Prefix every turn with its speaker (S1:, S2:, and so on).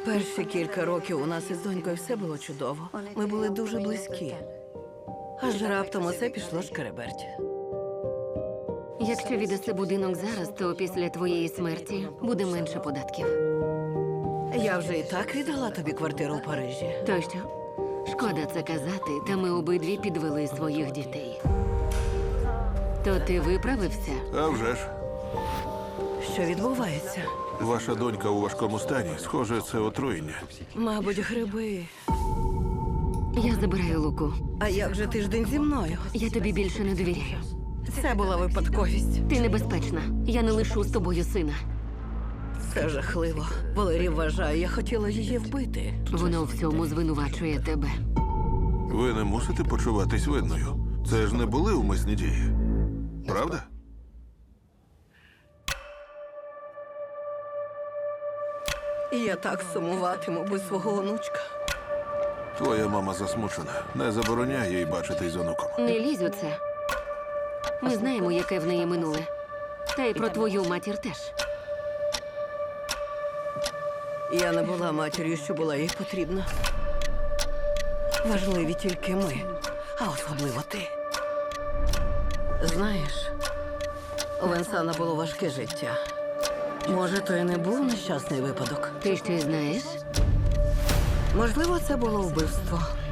S1: Перші кілька років у нас із донькою все було чудово. Ми були дуже близькі. Аж раптом усе пішло шкереберть.
S2: Якщо віддаси будинок зараз, то після твоєї смерті буде менше податків.
S1: Я вже і так віддала тобі квартиру в Парижі.
S2: То що? Шкода це казати, та ми обидві підвели своїх дітей. То ти виправився?
S3: А вже ж.
S1: Що відбувається?
S3: Ваша донька у важкому стані. Схоже, це отруєння.
S1: Мабуть, гриби.
S2: Я забираю Луку.
S1: А як же тиждень зі мною?
S2: Я тобі більше не довіряю.
S1: Це була випадковість.
S2: Ти небезпечна. Я не лишу з тобою сина.
S1: Це жахливо. Валерій вважає, я хотіла її вбити.
S2: Воно в цьому звинувачує тебе.
S3: Ви не мусите почуватись винною. Це ж не були умисні дії. Правда?
S1: І я так сумуватиму без свого онучка.
S3: Твоя мама засмучена. Не забороняй їй бачитись з онуком.
S2: Не лізь у це. Ми знаємо, яке в неї минуле. Та й про твою матір теж.
S1: Я не була матір'ю, що була їй потрібна. Важливі тільки ми, а особливо ти. Знаєш, у Венсана було важке життя. Може, то і не був нещасний випадок.
S2: Ти щось знаєш?
S1: Можливо, це було вбивство.